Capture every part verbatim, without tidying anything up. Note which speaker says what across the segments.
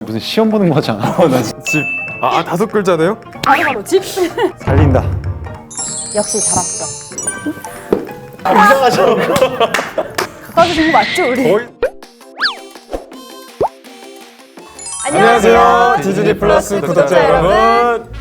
Speaker 1: 무슨 시험 보는 거잖아.
Speaker 2: 나 집. 아, 아 다섯 글자네요?
Speaker 3: 바로 바로 집.
Speaker 1: 살린다.
Speaker 3: 역시 잘 왔어.
Speaker 1: 이상하죠?
Speaker 3: 가까워서 준거 맞죠 우리?
Speaker 2: 거의.
Speaker 3: 안녕하세요.
Speaker 2: 디즈니 플러스 구독자 여러분.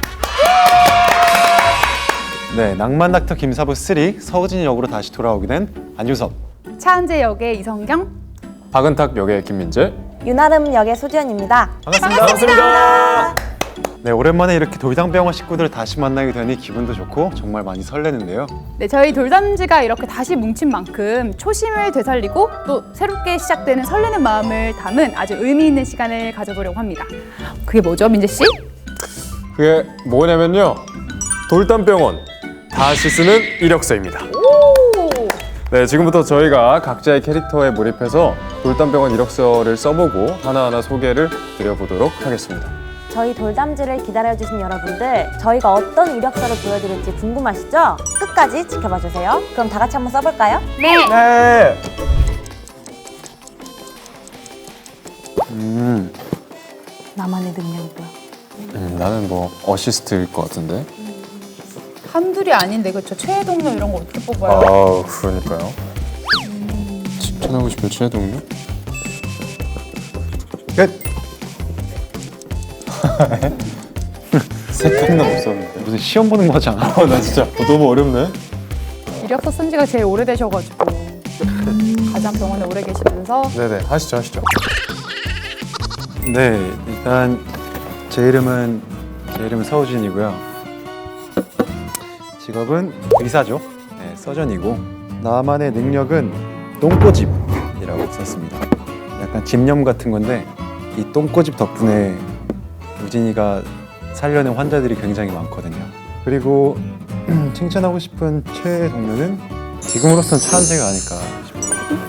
Speaker 1: 네, 낭만 닥터 김사부 삼 서우진 역으로 다시 돌아오게 된 안유섭.
Speaker 3: 차은재 역의 이성경.
Speaker 2: 박은탁 역의 김민재.
Speaker 4: 유나름 역의 소지연입니다.
Speaker 2: 반갑습니다. 반갑습니다.
Speaker 1: 네, 오랜만에 이렇게 돌담병원 식구들을 다시 만나게 되니 기분도 좋고 정말 많이 설레는데요.
Speaker 3: 네, 저희 돌담지가 이렇게 다시 뭉친 만큼 초심을 되살리고 또 새롭게 시작되는 설레는 마음을 담은 아주 의미 있는 시간을 가져보려고 합니다. 그게 뭐죠, 민재 씨?
Speaker 2: 그게 뭐냐면요. 돌담병원 다시 쓰는 이력서입니다.
Speaker 3: 오!
Speaker 2: 네, 지금부터 저희가 각자의 캐릭터에 몰입해서 돌담병원 이력서를 써보고 하나하나 소개를 드려보도록 하겠습니다.
Speaker 4: 저희 돌담지를 기다려주신 여러분들, 저희가 어떤 이력서를 보여드릴지 궁금하시죠? 끝까지 지켜봐주세요. 그럼 다 같이 한번 써볼까요?
Speaker 3: 네!
Speaker 2: 네.
Speaker 1: 음,
Speaker 4: 나만의 능력이 뭐야?
Speaker 2: 음, 나는 뭐 어시스트일 것 같은데.
Speaker 3: 한둘이 아닌데 그렇죠? 최애 동료 이런 거 어떻게 뽑아요?
Speaker 2: 아, 그러니까요. 칭찬하고 싶은 최애 동료? 끝.
Speaker 1: 색깔은 없었는데 무슨 시험 보는 거잖아.
Speaker 2: 나 진짜 너무 어렵네.
Speaker 3: 이력서 쓴 지가 제일 오래되셔가지고 가장 병원에 오래 계시면서
Speaker 2: 네네, 하시죠, 하시죠.
Speaker 1: 네, 일단 제 이름은 제 이름은 서우진이고요. 직업은 의사죠. 네, 서전이고 나만의 능력은 똥꼬집이라고 썼습니다. 약간 집념 같은 건데 이 똥꼬집 덕분에 우진이가 살려낸 환자들이 굉장히 많거든요. 그리고 칭찬하고 싶은 최애 동료는 지금으로서는 차은재가 아닐까 싶어요.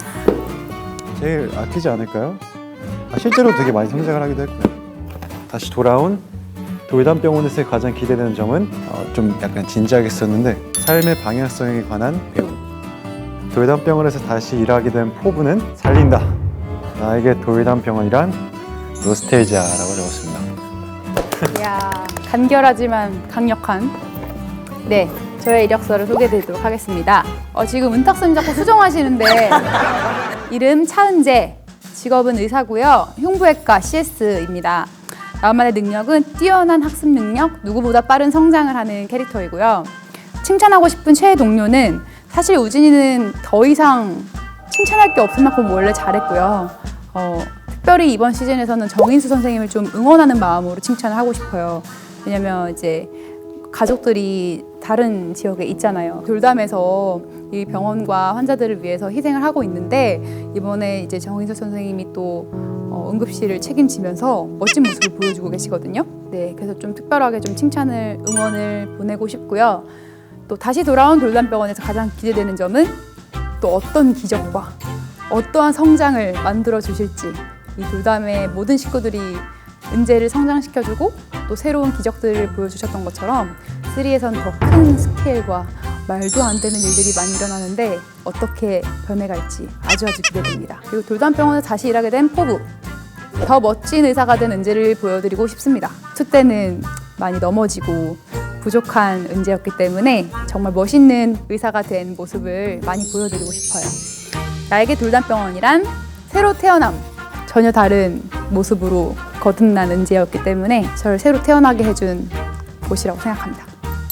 Speaker 1: 제일 아끼지 않을까요? 아, 실제로 되게 많이 성장을 하기도 했고요. 다시 돌아온 돌담병원에서의 가장 기대되는 점은 어, 좀 약간 진지하게 썼는데 삶의 방향성에 관한 배움. 돌담병원에서 다시 일하게 된 포부는 살린다. 나에게 돌담병원이란 노스테이지아라고 적었습니다.
Speaker 3: 이야, 간결하지만 강력한 네, 저의 이력서를 소개해드리도록 하겠습니다. 어, 지금 은탁선님 자꾸 수정하시는데 이름 차은재, 직업은 의사고요. 흉부외과 씨에스입니다. 나만의 능력은 뛰어난 학습 능력, 누구보다 빠른 성장을 하는 캐릭터이고요. 칭찬하고 싶은 최애 동료는 사실 우진이는 더 이상 칭찬할 게 없을 만큼 원래 잘했고요. 어, 특별히 이번 시즌에서는 정인수 선생님을 좀 응원하는 마음으로 칭찬을 하고 싶어요. 왜냐면 이제 가족들이 다른 지역에 있잖아요. 돌담에서 이 병원과 환자들을 위해서 희생을 하고 있는데 이번에 이제 정인수 선생님이 또 어, 응급실을 책임지면서 멋진 모습을 보여주고 계시거든요. 네, 그래서 좀 특별하게 좀 칭찬을 응원을 보내고 싶고요. 또 다시 돌아온 돌담병원에서 가장 기대되는 점은 또 어떤 기적과 어떠한 성장을 만들어 주실지. 이 돌담의 모든 식구들이 은재를 성장시켜주고 또 새로운 기적들을 보여주셨던 것처럼 삼에선 더 큰 스케일과 말도 안 되는 일들이 많이 일어나는데 어떻게 변해갈지 아주 아주 기대됩니다. 그리고 돌담병원에서 다시 일하게 된 포부. 더 멋진 의사가 된 은재를 보여드리고 싶습니다. 투 때는 많이 넘어지고 부족한 은재였기 때문에 정말 멋있는 의사가 된 모습을 많이 보여드리고 싶어요. 나에게 돌담병원이란 새로 태어남, 전혀 다른 모습으로 거듭난 은재였기 때문에 저를 새로 태어나게 해준 곳이라고 생각합니다.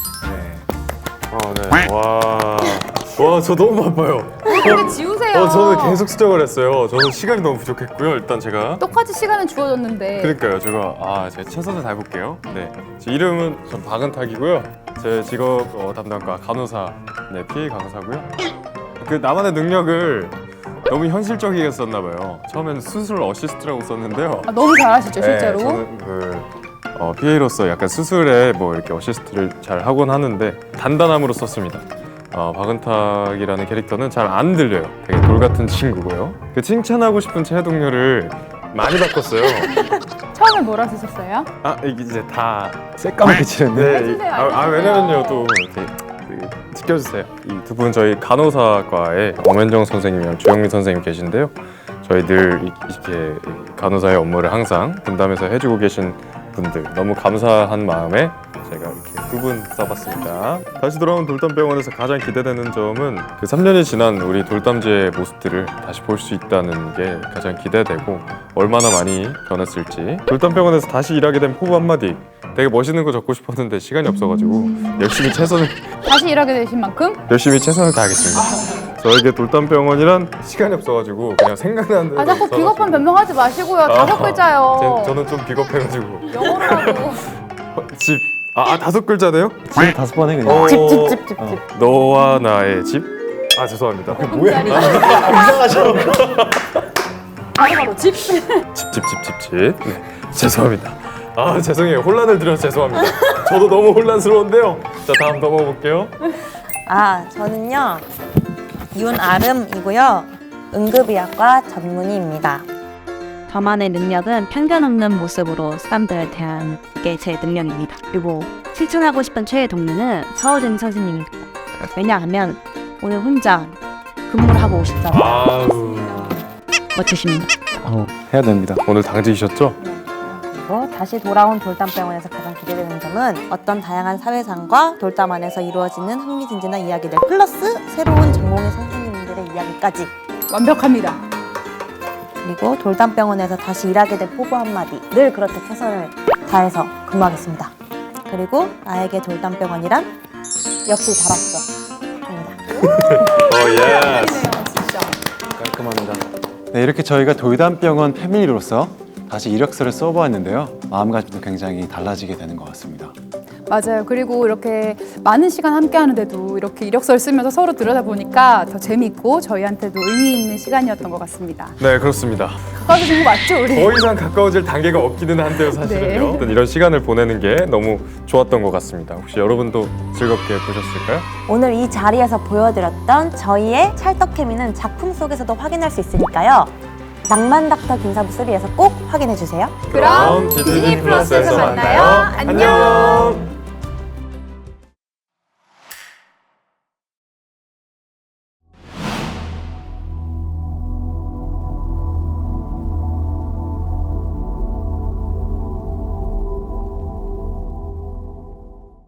Speaker 2: 네. 어, 네. 와. 와, 저 너무 바빠요.
Speaker 3: 근데 지우세요.
Speaker 2: 어, 저는 계속 수정을 했어요. 저는 시간이 너무 부족했고요. 일단 제가.
Speaker 3: 똑같이 시간은 주어졌는데.
Speaker 2: 그러니까요. 제가 아, 제가 최선을 다해 볼게요. 네. 제 이름은 전 박은탁이고요. 제 직업 어, 담당과 간호사, 네, 피에이 간호사고요. 그 나만의 능력을 너무 현실적이게 썼나 봐요. 처음에는 수술 어시스트라고 썼는데요.
Speaker 3: 아, 너무 잘하시죠, 실제로.
Speaker 2: 네, 저는 그 어, 피에이로서 약간 수술에 뭐 이렇게 어시스트를 잘 하곤 하는데 단단함으로 썼습니다. 어, 박은탁이라는 캐릭터는 잘 안 들려요. 되게 돌 같은 친구고요. 그 칭찬하고 싶은 최애 동료를 많이 바꿨어요.
Speaker 3: 처음에 뭐라 쓰셨어요?
Speaker 2: 아, 이게 이제 다
Speaker 1: 새까맣게 칠했네.
Speaker 2: 네,
Speaker 3: 해주세요,
Speaker 2: 아, 아
Speaker 3: 알려주세요.
Speaker 2: 왜냐면요 또 이렇게 그, 지켜주세요. 이 두 분 저희 간호사과에 엄현정 선생님이랑 주영민 선생님 계신데요. 저희 늘 이- 이렇게 간호사의 업무를 항상 분담해서 해주고 계신 분들 너무 감사한 마음에 제가 이렇게 두 분 써봤습니다. 다시 돌아온 돌담병원에서 가장 기대되는 점은 그 삼 년이 지난 우리 돌담제의 모습들을 다시 볼 수 있다는 게 가장 기대되고 얼마나 많이 변했을지. 돌담병원에서 다시 일하게 된 포부 한마디. 되게 멋있는 거 적고 싶었는데 시간이 없어가지고 열심히 최선을
Speaker 3: 다시 일하게 되신 만큼
Speaker 2: 열심히 최선을 다하겠습니다. 저에게 돌담병원이란 시간이 없어가지고 그냥 생각나는 대로
Speaker 3: 아 자꾸
Speaker 2: 써가지고.
Speaker 3: 비겁한 변명하지 마시고요. 다섯
Speaker 2: 아,
Speaker 3: 글자요.
Speaker 2: 제- 저는 좀 비겁해가지고
Speaker 3: 영어로 하고.
Speaker 2: 집. 아, 아 다섯 글자네요?
Speaker 1: 집 다섯 번 해 그냥.
Speaker 2: 어,
Speaker 4: 집, 집, 집, 집, 집.
Speaker 2: 너와 나의 집? 아 죄송합니다.
Speaker 1: 뭐야? 이상하죠.
Speaker 3: 바로 바로 집.
Speaker 2: 집 집 집 집 집. 네, 죄송합니다. 아 죄송해요. 혼란을 드려서 죄송합니다. 저도 너무 혼란스러운데요. 자 다음 넘어볼게요.
Speaker 4: 아, 저는요. 윤아름이고요. 응급의학과 전문의입니다.
Speaker 5: 저만의 능력은 편견 없는 모습으로 사람들을 대하는 게 제 능력입니다. 그리고 실천하고 싶은 최애 동료는 서우진 선생님입니다. 왜냐하면 오늘 혼자 근무를 하고 오셨잖아요.
Speaker 2: 아우
Speaker 5: 멋지십니다.
Speaker 1: 어, 해야 됩니다.
Speaker 2: 오늘 당직이셨죠?
Speaker 4: 그리고 다시 돌아온 돌담병원에서 가장 기대되는 점은 어떤 다양한 사회상과 돌담 안에서 이루어지는 흥미진진한 이야기들 플러스 새로운 전공의 선생님들의 이야기까지.
Speaker 3: 완벽합니다.
Speaker 4: 그리고 돌담병원에서 다시 일하게 된 포부 한마디. 늘 그렇게 최선을 다해서 근무하겠습니다. 그리고 나에게 돌담병원이란 역시 잘 왔어. 입니다.
Speaker 2: 어 예.
Speaker 3: 진짜.
Speaker 1: 깔끔합니다. 네, 이렇게 저희가 돌담병원 패밀리로서 다시 이력서를 써보았는데요. 마음가짐도 굉장히 달라지게 되는 것 같습니다.
Speaker 3: 맞아요. 그리고 이렇게 많은 시간 함께 하는데도 이렇게 이력서를 쓰면서 서로 들여다보니까 더 재밌고 저희한테도 의미 있는 시간이었던 것 같습니다.
Speaker 2: 네 그렇습니다.
Speaker 3: 가까워진 거 맞죠, 우리?
Speaker 2: 더 이상 가까워질 단계가 없기는 한데요 사실은요.
Speaker 3: 네.
Speaker 2: 이런 시간을 보내는 게 너무 좋았던 것 같습니다. 혹시 여러분도 즐겁게 보셨을까요?
Speaker 4: 오늘 이 자리에서 보여드렸던 저희의 찰떡케미는 작품 속에서도 확인할 수 있으니까요. 낭만 닥터 김사부 쓰리에서 꼭 확인해주세요.
Speaker 3: 그럼
Speaker 2: 디즈니
Speaker 3: 디즈니 플러스에서
Speaker 2: 플러스에서
Speaker 3: 만나요.
Speaker 2: 만나요.
Speaker 3: 안녕.